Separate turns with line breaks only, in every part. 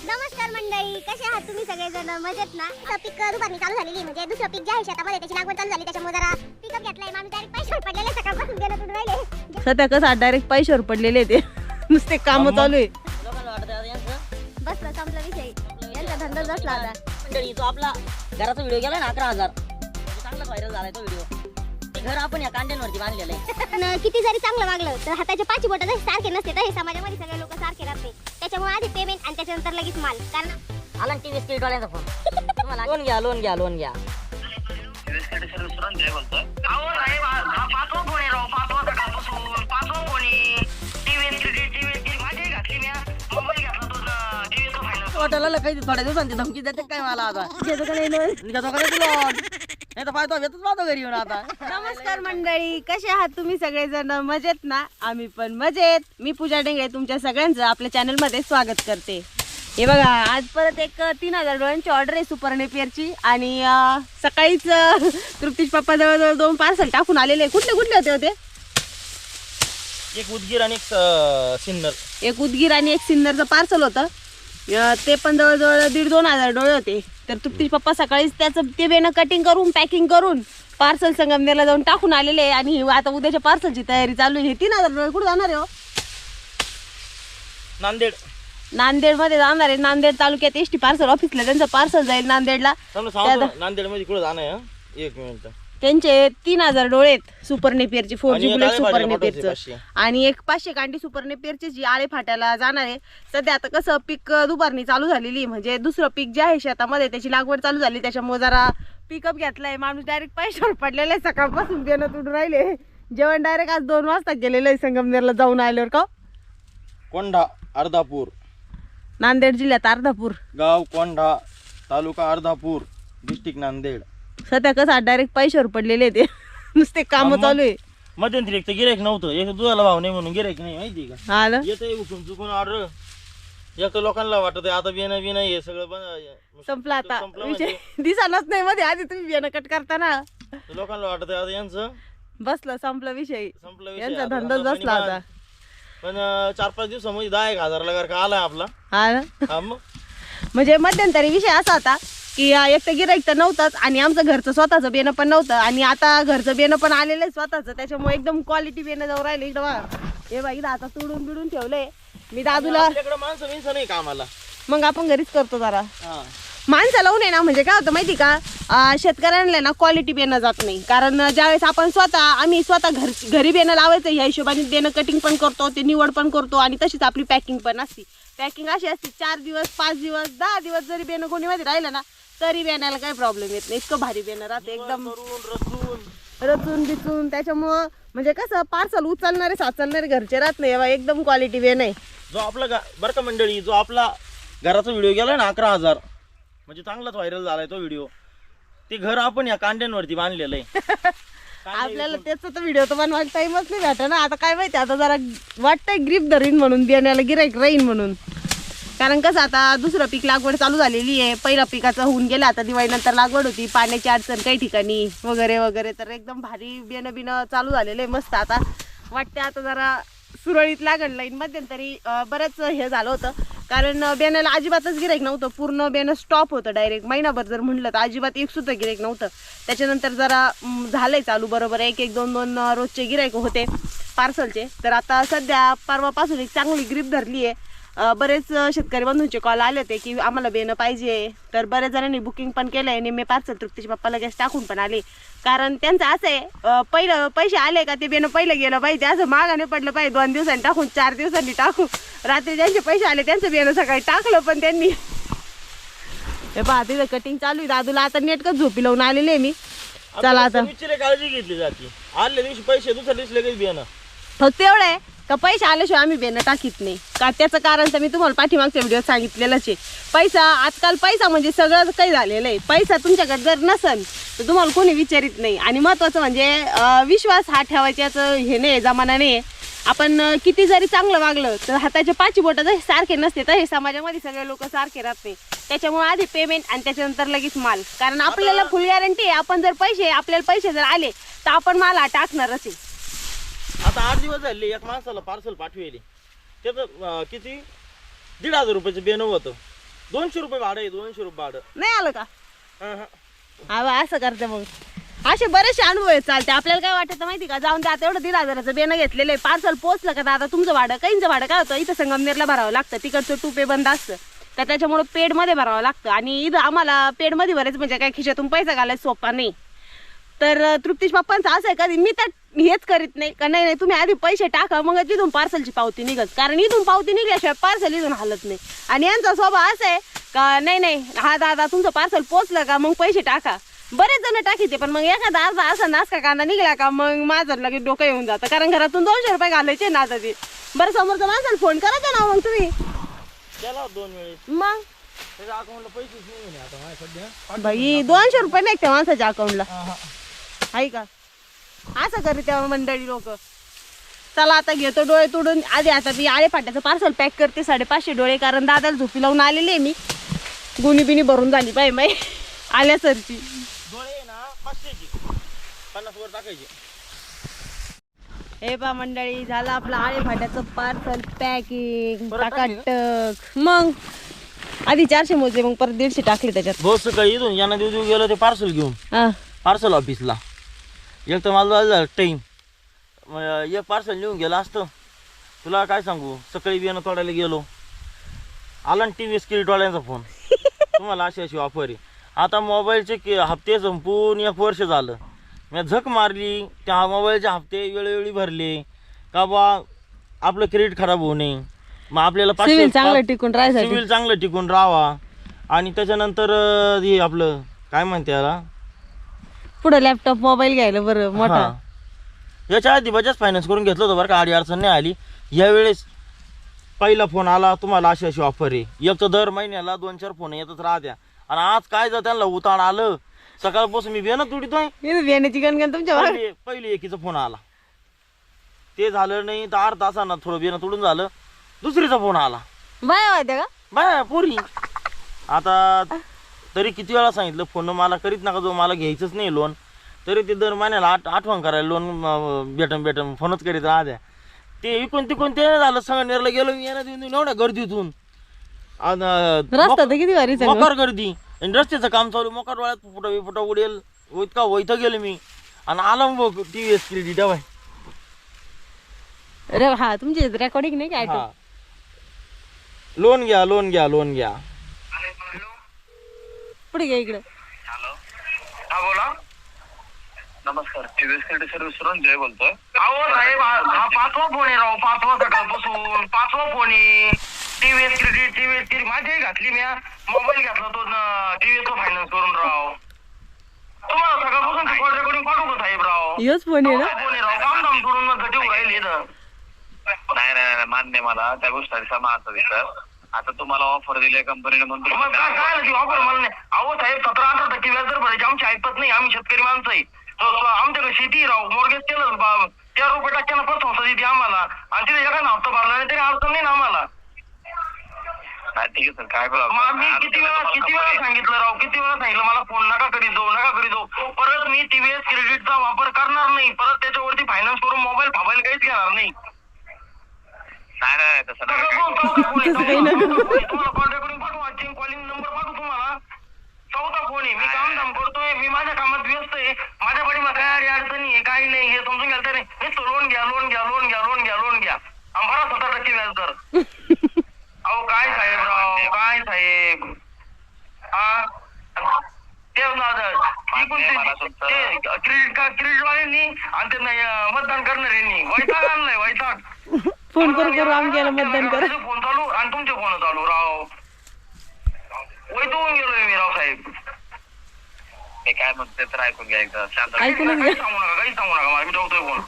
नमस्कार मंडळी, कसे आहात तुम्ही सगळेजण? मजेत ना? पीक दुपारनी चालू झालेली, म्हणजे दुसरं पीक जे आहे शेतामध्ये त्याची लागवड चालू झाली, त्याच्यामुळे जरा पिकअप घेतलाय. माणूस डायरेक्ट पैशावर पडलेले, सकाळपासून गेलं तुडून राहिले.
सध्या कसं डायरेक्ट पैशावर पडलेले ते नुसते काम चालू आहे.
बसला संपला विषय, यांचा धंदा बसला आता.
मंडळी तो आपला घराचा व्हिडिओ गेला ना 11,000, चांगलाच व्हायरल झालाय तो व्हिडिओ. घर आपण या कांड्यांवरती बांधलेलं आहे.
पण किती जरी चांगलं वागलं तर हाताचे पाची बोट जरी सारखे नसते तर हे समाजामध्ये सगळे लोक सारखे राहत नाही. त्याच्यामुळे आधी पेमेंट आणि त्याच्यानंतर लगेच माल. कारण
आला टीव्ही स्किल वाल्यांचा फोन, तुम्हाला लोन घ्या लोन घ्या लोन घ्या. हॉटेलला काही थोड्या दिवसांची धमकी देते काय मला आता
घेतो का नाही लोन?
घेतो का नाही तू लोन? नाही तर फायदा घेतोच पाहतो घरी येऊन आता.
नमस्कार मंडळी, कसे आहात तुम्ही सगळेजण? मजेत ना? आम्ही पण मजेत. मी पूजा डेंगळे तुमच्या सगळ्यांचं आपल्या चॅनल मध्ये स्वागत करते. हे बघा, आज परत एक 3,000 डोळ्यांची ऑर्डर आहे सुपर नेपियरची. आणि सकाळीच तृप्तीश पप्पा जवळजवळ 2 पार्सल टाकून आलेले. कुठले होते?
एक उदगीर आणि एक सिन्नर.
एक उदगीर आणि एक सिन्नरचं पार्सल होतं. ते पण जवळजवळ 1,500-2,000 डोळे होते. तर तृप्तीश पप्पा सकाळीच त्याचं ते बेनं कटिंग करून पॅकिंग करून पार्सल संगमनेरला जाऊन टाकून आलेले. आणि आता उद्याच्या पार्सलची तयारी चालू आहे. 3,000 डोळे कुठे जाणार आहे हो? नांदेडमध्ये जाणार आहे. नांदेड तालुक्यात एसटी पार्सल ऑफिसला त्यांचं पार्सल जाईल नांदेडला.
नांदेड मध्ये कुठे जाणं आहे? 1 मिनिट.
त्यांचे 3,000 डोळे आहेत सुपर नेपियरचे, 4G बुलेट सुपर नेपियरचं.
500.
आणि एक 500 कांडी सुपर नेपियरची जी आळे फाट्याला जाणार आहे. सध्या आता कसं पीक दुपारनी चालू झालेली, म्हणजे दुसरं पीक जे आहे शेतामध्ये त्याची लागवड चालू झाली. त्याच्यामुळे जरा पिकअप घेतलाय. माणूस डायरेक्ट पैशावर पडलेला आहे. सकाळपासून बेनं तुडून राहिले. जेवण डायरेक्ट आज 2 वाजता गेलेलं आहे संगमनेरला जाऊन आल्यावर. का
कोंढा अर्धापूर,
नांदेड जिल्ह्यात अर्धापूर
गाव कोंढा, तालुका अर्धापूर, डिस्ट्रिक्ट नांदेड.
सध्या कसं डायरेक्ट पैशावर पडलेले ते नुसते काम चालू आहे.
मध्यंतरी एक तर गिरायक नव्हतं, एक दुधाला भाव नाही म्हणून गिरायक नाही, माहिती का?
हा ना?
येतं उठून चुकून ऑर्डर. एक तर लोकांना वाटत आता बिना हे सगळं
संपला आता
म्हणजे.
विषय. दिसानच नाही मध्ये आधी तुम्ही बियाणं कट करताना.
लोकांना वाटत आता यांचं
बसलं, संपला विषय.
संपला विषय.
यांचा
आता
धंदाच बसला आता.
पण 4-5 दिवसामध्ये 10,000 ला का आलाय आपला.
हा ना?
हा मग
म्हणजे मध्यंतरी विषय असा होता की एक तर गिराईक तर नव्हतंच आणि आमचं घरचं स्वतःचं बेनं पण नव्हतं. आणि आता घरचं बेनं पण आलेलं आहे स्वतःचं. त्याच्यामुळे एकदम क्वालिटी बेनं जाऊ राहिले. इकडं बघा, हे बघा इथं आता तुडून बिडून ठेवलंय. मी दादूला,
आपल्याकडे माणसं नाही कामाला.
मग आपण घरीच करतो जरा.
हा
माणसं लावून आहे ना, म्हणजे काय होतं माहिती का, शेतकऱ्यांना ना क्वालिटी बेनं जात नाही. कारण ज्यावेळेस आपण आम्ही स्वतः घरी बेनं लावायचं ह्या हिशोबाने बेनं कटिंग पण करतो, ते निवड पण करतो. आणि तशीच आपली पॅकिंग पण असते. पॅकिंग अशी असते 4 दिवस 5 दिवस 10 दिवस जरी बेनं कोणीमध्ये राहिलं ना तरी बेण्याला काही प्रॉब्लेम येत नाही. इतकं भारी बेनं राहते, एकदम रचून बिचून. त्याच्यामुळं म्हणजे कसं पार्सल उचलणारे साचलणारे घरचे राहत नाही. एकदम क्वालिटी बेन आहे.
जो आपला बरं का मंडळी, जो आपला घराचा व्हिडिओ गेला ना 11,000, म्हणजे चांगलाच व्हायरल झालाय तो व्हिडिओ. ते घर आपण या कांड्यांवरती बांधलेलं आहे.
आपल्याला त्याचा तर व्हिडिओ तर बनवायला टाइमच नाही भेटा ना. आता काय माहिती, आता जरा वाटतंय ग्रीप धरीन म्हणून, बियाण्याला गिराईक राहीन म्हणून. कारण कसं आता दुसरं पीक लागवड चालू झालेली आहे. पहिल्या पिकाचं होऊन गेलं, आता दिवाळीनंतर लागवड होती. पाण्याची अडचण काही ठिकाणी वगैरे वगैरे. तर एकदम भारी बियाणं चालू झालेलं आहे. मस्त आता वाटते आता जरा सुरळीत लागण लाईन. मध्यंतरी बरंच हे झालं होतं, कारण बेण्याला अजिबातच गिराईक नव्हतं. पूर्ण बेनं स्टॉप होतं. डायरेक्ट महिनाभर जर म्हटलं तर अजिबात एक सुद्धा गिराईक नव्हतं. त्याच्यानंतर जरा झालंय चालू बरोबर. एक 2 रोजचे गिराईक होते पार्सलचे. तर आता सध्या परवापासून एक चांगली ग्रीप धरली आहे. बरेच शेतकरी बंधूंचे कॉल आले होते की आम्हाला बेनं पाहिजे. तर बऱ्याच जणांनी बुकिंग पण केलंय. निम्मे पार्सल तृप्तीचे पप्पा लगेच टाकून पण आले. कारण त्यांचं असं आहे, पहिलं पैसे आले का ते बेनं पहिलं गेलं पाहिजे. असं मागाने पडलं पाहिजे 2 दिवसांनी टाकून 4 दिवसांनी टाकू. रात्री ज्यांचे पैसे आले त्यांचं बेनं सकाळी टाकलं. पण त्यांनी हे पहा तिथं कटिंग चालू आहे. दादूला आता नेटकच झोपी लावून आलेले मी. चला आता
काळजी घेतली जाते. आदल्या दिवशी पैसे, दुसऱ्या दिवशी लगेच बियाणं.
फक्त एवढं आहे का पैसे आल्याशिवाय आम्ही बेनं टाकीत नाही. का त्याचं कारण तर मी तुम्हाला पाठीमागच्या व्हिडिओ सांगितलेलंच आहे. पैसा आजकाल पैसा म्हणजे सगळं काही झालेलं आहे. पैसा तुमच्याकडे जर नसेल तर तुम्हाला कोणी विचारित नाही. आणि महत्त्वाचं म्हणजे विश्वास हा ठेवायच्याचं हे नाही, जमाना नाही. आपण किती जरी चांगलं वागलं तर हाताचे 5 बोटं जसे सारखे नसते तर हे समाजामध्ये सगळे लोक सारखे राहत नाही. त्याच्यामुळे आधी पेमेंट आणि त्याच्यानंतर लगेच माल. कारण आपल्याला फुल गॅरंटी आहे, आपण जर आपल्याला पैसे जर आले तर आपण माल टाकणारच आहे.
आता 8 दिवस झाले एक माणसाला पार्सल पाठवेली. त्याचं किती 1,500 रुपयाचं बेनं होतं. 200 रुपये भाडं आहे, 200 रुपये भाडं.
नाही आलं का?
हा, हा.
हा बा, असं करते मग. असे बरेचसे अनुभव आहेत. चालते. आपल्याला काय वाटतं माहिती का, जाऊन आता एवढं 1,500 बेनं घेतलेलं आहे, पार्सल पोहोचलं का दादा तुमचं भाडं, काहींचं भाडं काय होतं, इथं संगमनेरला भरावं लागतं, तिकडचं टुपे बंद असतं, तर त्याच्यामुळे पेडमध्ये भरावं लागतं. आणि इथं आम्हाला पेडमध्ये भरायचं म्हणजे काय खिशातून पैसा घालायचा सोपा नाही. तर तृप्तीश पप्पांचं असं आहे का, मी तर हेच करीत नाही का, नाही तुम्ही आधी पैसे टाका मग तिथून पार्सलची पावती निघत, कारण इथून पावती निघल्याशिवाय पार्सल इथून हलत नाही. आणि यांचा स्वभाव असा आहे का, नाही हा दादा तुमचं पार्सल पोचलं का मग पैसे टाका. बरेच जण टाकीते, पण मग एखादा अर्धा असा नाच का कांदा निघला का मग माझं लगेच डोकं येऊन जातं, कारण घरातून 200 रुपये घालायचे ना आता ते. बरं समोरच्या माणसाला फोन करायचा ना मग तुम्ही,
केला 2 वेळेस,
मग
त्याच्या अकाउंटला पैसेच नाही म्हणे आता माझ्या सध्या.
बाई 200 रुपये नाही त्या माणसाच्या अकाउंटला,
हा, हा.
आहे का? असं करी तेव्हा मंडळी लोक. चला आता घेतो डोळे तोडून. आधी आता मी आळे फाट्याचं पार्सल पॅक करते, 550 डोळे, कारण दादाला झोपी लावून आलेले मी, गुणी बिनी भरून झाली पाहिजे माई आल्या सरची.
डोळे ना 500चे 50 वर टाकायचे.
हे पा मंडळी, झालं आपलं आळे फाट्याचं पार्सल पॅकिंग
परत
टाकाटक. मग आधी 400 मोजले, मग परत 150 टाकले त्याच्यात.
बहुत सकाळी इथून यांना देऊ गेलो ते पार्सल घेऊन
हा
पार्सल ऑफिसला. एक तर मला झालं टाईम, एक पार्सल लिहून गेलं असतं. तुला काय सांगू, सकाळी बियाणं तोडायला गेलो, आला ना TV स्किरीटवाल्यांचा फोन, तुम्हाला अशी ऑफर आहे. आता मोबाईलचे हप्ते संपून 1 वर्ष झालं. मी झक मारली, त्या मोबाईलचे हप्ते वेळोवेळी भरले का बा आपलं क्रेडिट खराब होऊ नये, मग आपल्याला
सिव्हिल चांगलं टिकून राहायसाठी.
सिव्हिल चांगलं टिकून राहावा. आणि त्याच्यानंतर हे आपलं काय म्हणते याला,
पुढे लॅपटॉप मोबाईल घ्यायला बरं मोठा.
हा. याच्या आधी बजाज फायनान्स करून घेतलं होतं बरं का, आडी अडचण नाही आली. यावेळेस पहिला फोन आला, तुम्हाला अशी ऑफर आहे. एक तर दर महिन्याला 2-4 फोन येतच राहत्या. आणि आज काय जर त्यांना उताण आलं, सकाळपासून मी बेना तुडीतोय,
बियाण्याची गणगण तुमच्या भागात.
पहिली एकीचा फोन आला, ते झालं नाही तर 1/2 तासानं थोडं बेना तुडून झालं, दुसरीचा फोन आला.
बाया होत्या का?
बाय पोरी. आता तरी किती वेळा सांगितलं, फोन मला करीत नका जो, मला घ्यायचंच नाही लोन. तरी ते दर महिन्याला आठवण करायला लोन भेटम फोनच करीत राहत्या. ते इकून तिकून ते झालं. संगमनेरला गेलो मी, येणं देऊन एवढ्या गर्दीतून,
रस्ता तर किती भारी सगळं.
मोकार गर्दी, आणि रस्त्याचं काम चालू, मोकार डोळ्यात फुटा उडेल इतका वैथ गेलो मी. आणि आला मग TVS क्रेडिट बाय.
अरे हा, तुमची रेकॉर्डिंग नाही काय?
हा, लोन घ्या.
पुढे घ्या इकडे.
हॅलो, हा बोला. नमस्कार, TVS क्रेडिट सर्व्हिसवरून जय बोलतोय. अहो साहेब, हा 5वा फोन आहे राव, 5वा सकाळपासून 5वा फोन आहे. TVS क्रेडिट माझी घातली, मी मोबाईल घेतला तो TVS फायनान्स करून राव. तुम्हाला सकाळपासून कॉल रेकॉर्डिंग पाठवू का साहेब राव?
योच फोन आहे ना?
फोन आहे राव, काम धाम सोडून मग घटी राहिले इथं. नाही मान्य मला त्या गोष्टीचा माझा विचार. आता तुम्हाला ऑफर दिली कंपनीने म्हणून काय ऑफर मला नाही. अहो साहेब, 17-18% व्याज दर भरायचे आमची ऐकत नाही. आम्ही शेतकरी माणसं आहे. आमच्याकडे शेती राव, मॉर्गेज केलं 4 रुपये टक्क्यानं फर्स्ट संस्था देते आम्हाला, आणि तिथे एखादा हप्ता भरला नाही तरी अडचण नाही ना आम्हाला. ठीक आहे सर, काय मी किती वेळा सांगितलं राव, किती वेळा सांगितलं मला फोन नका करीत जाऊ. परत मी TVS क्रेडिटचा वापर करणार नाही. परत त्याच्यावरती फायनान्स करून मोबाईल काहीच घेणार नाही. नाही तसं तुम्हाला कॉल रेकॉर्डिंग पाठवू, कॉलिंग नंबर पाठवू तुम्हाला. 4था फोन आहे. मी काम धाम करतोय, मी माझ्या कामात व्यस्त आहे. माझ्या पाठीमा काय अडचणी आहे काही नाही, हे समजून घ्याल तर नाही. लोन घ्या आणि भरा 17% व्याज दर. अहो काय साहेब हा ते क्रेडिट वाल्यांनी आणि त्यांना मतदान करणाऱ्यांनी वैताग आणलाय, वैताग.
फोन करू आम्ही गेला मतदान करा.
फोन चालू आणि तुमचे फोन चालू राव, वैतागून गेलोय मी राव साहेब. हे काय म्हणते तर ऐकून घ्या एकदा, शांत. काही सांगू नका मला, मी ठेवतोय फोन.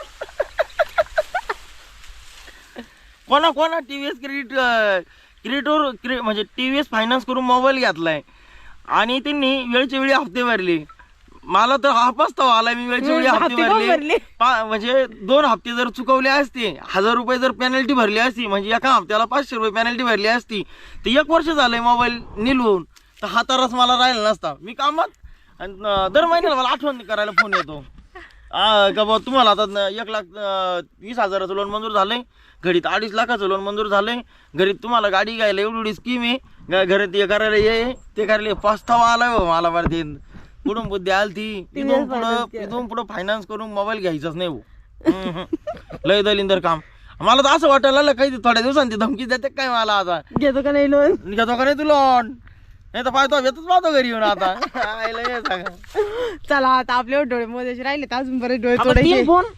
कोणा TVS क्रेडिटवर म्हणजे TVS फायनान्स करून मोबाईल घेतलाय आणि त्यांनी वेळच्या वेळी हप्ते भरले. मला तर हा पस्तावा आला, मी वेळच्या वेळी हप्ते भरले. म्हणजे 2 हप्ते जर चुकवले असते, 1000 रुपये जर पेनल्टी भरली असती, म्हणजे एका हप्त्याला 500 रुपये पेनल्टी भरली असती, तर 1 वर्ष झालंय मोबाईल निलवून, तर हा तरच मला राहिला नसता. मी कामात, दर महिन्याला मला आठवण करायला फोन येतो. का बा तुम्हाला आता 1,20,000चं लोन मंजूर झालंय, घडीत 2.5 लाखाचं लोन मंजूर झालंय, घरीत तुम्हाला गाडी घ्यायला एवढी स्कीम आहे, घरात हे करायला ये ते करायला पस्तावा आलाय हो मला बरं ते कुठून बुद्धी आली ती इथून पुढं फायनान्स करून मोबाईल घ्यायचाच नाही हो. लय दलिंदर काम. मला तर असं वाटायला लागलं काही थोड्या दिवसांनी धमकी देते काय मला आता,
घेतो का नाही लोन?
घेतो का नाही तू लोन? नाही तर पाहतो येतच पाहतो घरी येऊन आता.
चला आता आपले डोळे मोजायचे राहिले तर अजून बरेच डोळे तोडायचे.
3 फोन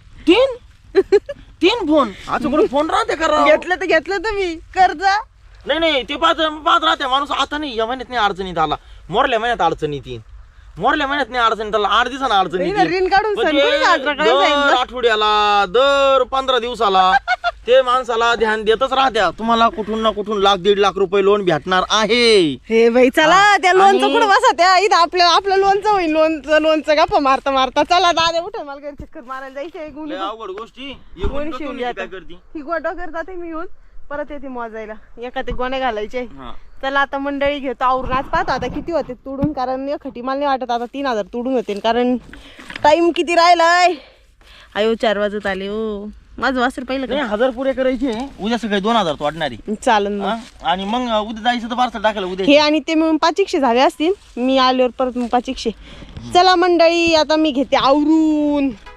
3 फोन आज कुठे फोन राहते करा.
घेतलं तुम्ही कर्ज?
नाही ते पाहत राहते माणूस. आता नाही या महिन्यात नाही अडचणीत आला, मोरल्या महिन्यात अडचणीत येईल, मोरल्या महिन्यात नाही अडचणीत आला, 8 दिवसांना अडचणीत येईल.
ऋण काढून सण करून साजरा करायला
दर
सांगितलं.
आठवड्याला दर 15 दिवसाला ते माणसाला ध्यान देतच राहत्या. तुम्हाला कुठून ना कुठून 1,00,000-1.5 लाख रुपये लोन भेटणार आहे.
हे बाई चला त्या लोनचं
आणि-
कुठं बसा त्या इथं आपलं लोनचं होईल. लोनचं गप्पा मारता चला दादा उठे मला घरी चक्कर मारायला जायचंय.
लय अवघड गोष्टी
कोणी शिवून घ्या
काय करती.
ही गोटोकर जाते मी येऊन परत येते मोजायला. एका ते गोणे घालायचे.
हा.
चला आता मंडळी घेतो आवरून. आज पाहतो आता किती होते तोडून, कारण खटी मला नाही वाटत आता 3,000 तोडून होते, कारण टाइम किती राहिलाय. आयो 4 वाजत आले हो. माझं वासर पहिलं
नाही 1,000 पुरे करायचे, उद्या सकाळी 2,000 तो वाटणारी.
चालन मग.
आणि मग उद्या जायचं तर पार्सल टाकायला उद्या.
हे आणि ते मिळून 500 झाले असतील. मी आल्यावर परत मग 500. चला मंडळी आता मी घेते आवरून.